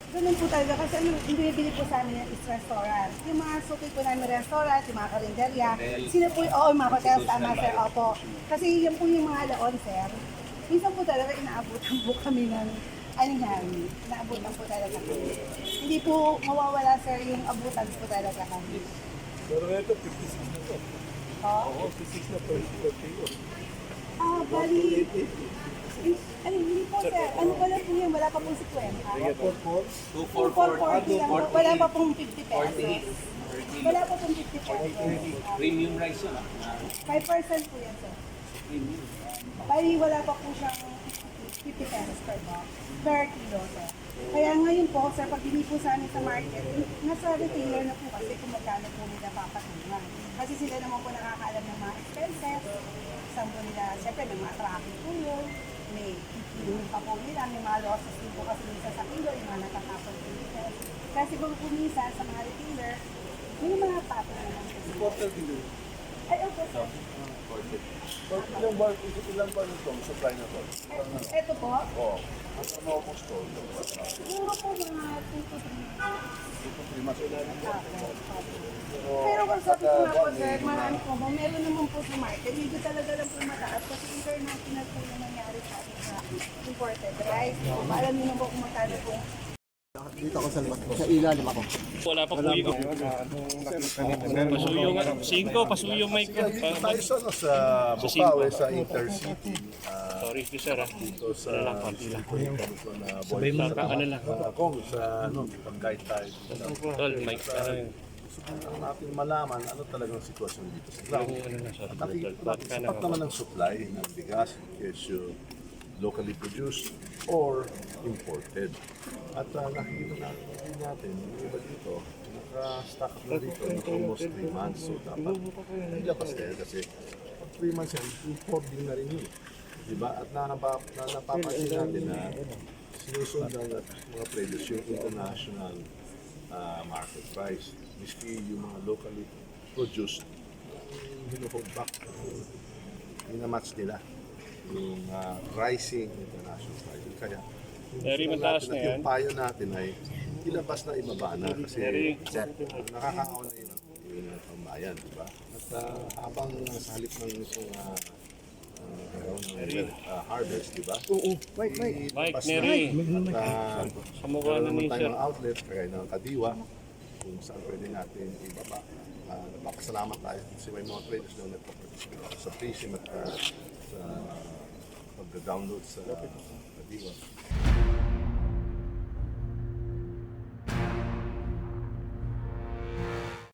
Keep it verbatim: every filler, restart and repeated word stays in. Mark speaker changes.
Speaker 1: Ganun po talaga kasi ano, yung binibili po sa amin is restaurant. Yung mga suki po namin restaurant, yung mga karinderya, sila po, oo, yung mga hotel, tama sir, opo. Kasi yan po yung mga laon, sir. Minsan po talaga inaabutan po kami ng, ano yan, inaabutan po talaga kami. Hindi po mawawala, sir, yung abutan po talaga kami.
Speaker 2: Pero ito, fifty-six na to.
Speaker 1: Oh?
Speaker 2: Oo, fifty-six na per per kilo.
Speaker 1: Ah, bali, ay, hindi po, sir. Ano pala po yun? Wala pa pong fifty.
Speaker 2: four four.
Speaker 3: two
Speaker 1: four
Speaker 3: four
Speaker 1: forty lang po. Wala pa pong fifty pesos.
Speaker 3: forty.
Speaker 1: Wala pa pong fifty pesos.
Speaker 3: Premium rice yun ah.
Speaker 1: five percent po yan, sir.
Speaker 3: Premium.
Speaker 1: Bali, wala pa po siyang fifty pesos per box, per kilo, sir. Kaya ngayon po, sir, pag bili po sa amin sa market, nasa retailer na po kasi kung magkano po nila papatungan. Kasi sila naman po nakakaalam ng mga expenses, saan po nila, siyempre may mga traffic po yun, may kikiluhin pa po nila, may mga losses din po kasi minsan sa kilo, yung mga natatapon po nila. Kasi po po minsan sa mga retailer, may mga pato naman po.
Speaker 2: Quarter kilo.
Speaker 1: Ay, okay, sir.
Speaker 2: But ilang bar, ilang bar nito, supply na to?
Speaker 1: Eh, Ito po,
Speaker 2: Oo. Ang maubos to,
Speaker 1: siguro po mga two to three months.
Speaker 2: ito three months.
Speaker 1: Pero kung sabi ko nga po, sir, marami po ba, meron naman po sa market, medyo talaga lang po mataas kasi international po yung nangyari sa atin sa imported rice. So, alam niyo na po kung magkano po.
Speaker 4: Dito ako sa, sa ilalim ako.
Speaker 5: Wala pa po ikaw. Pasuyo nga. Cinco, pasuyo mic ko.
Speaker 2: Tayo sa, ano, sa Bukawe, sa Intercity. ah,
Speaker 5: Sorry, sir. ah.
Speaker 2: Dito sa
Speaker 5: Wala lang, konti lang.
Speaker 2: dito na
Speaker 5: Sabay mo ka, ano lang.
Speaker 2: Ako, sa ano, pag-guide tayo.
Speaker 5: Tol, mic. Ano yun?
Speaker 2: Subukan natin malaman ano talagang sitwasyon dito sa ground.
Speaker 5: Ano na, sorry.
Speaker 2: Nakikita
Speaker 5: Tol,
Speaker 2: natin sapat naman ang supply ng bigas, kesyo locally produced or imported. At uh, nakikita natin, natin yung iba dito, naka-stock up na dito ng almost three months. So dapat ilabas na yan kasi pag three months yan, importing na rin yun. Diba? At nanapa, na, napapansin natin na sinusundan at mga previous yung international uh, market price. Miski yung mga locally produced, hinuhold back, minamatch nila yung uh, rising international pricing. Kaya
Speaker 5: Very
Speaker 2: yung
Speaker 5: mataas
Speaker 2: natin
Speaker 5: na
Speaker 2: at
Speaker 5: yan.
Speaker 2: yung payo natin ay ilabas na ibaba na kasi
Speaker 5: Very.
Speaker 2: nakakaawa na yun yung uh, pambayan, di ba? At uh, habang sa halip ng itong uh, uh, uh, harvest, di ba?
Speaker 4: Oo, wait, wait.
Speaker 5: Mike,
Speaker 2: Ilabas na.
Speaker 5: Neri.
Speaker 2: At uh,
Speaker 5: Sa mukha na
Speaker 2: meron
Speaker 5: ni
Speaker 2: naman
Speaker 5: sir.
Speaker 2: tayong outlets, kagaya ng Kadiwa, kung saan pwede natin ibaba. Uh, napapasalamat tayo kasi may mga traders na nagpaparticipate sa fishing at uh, sa pag-download sa Kadiwa.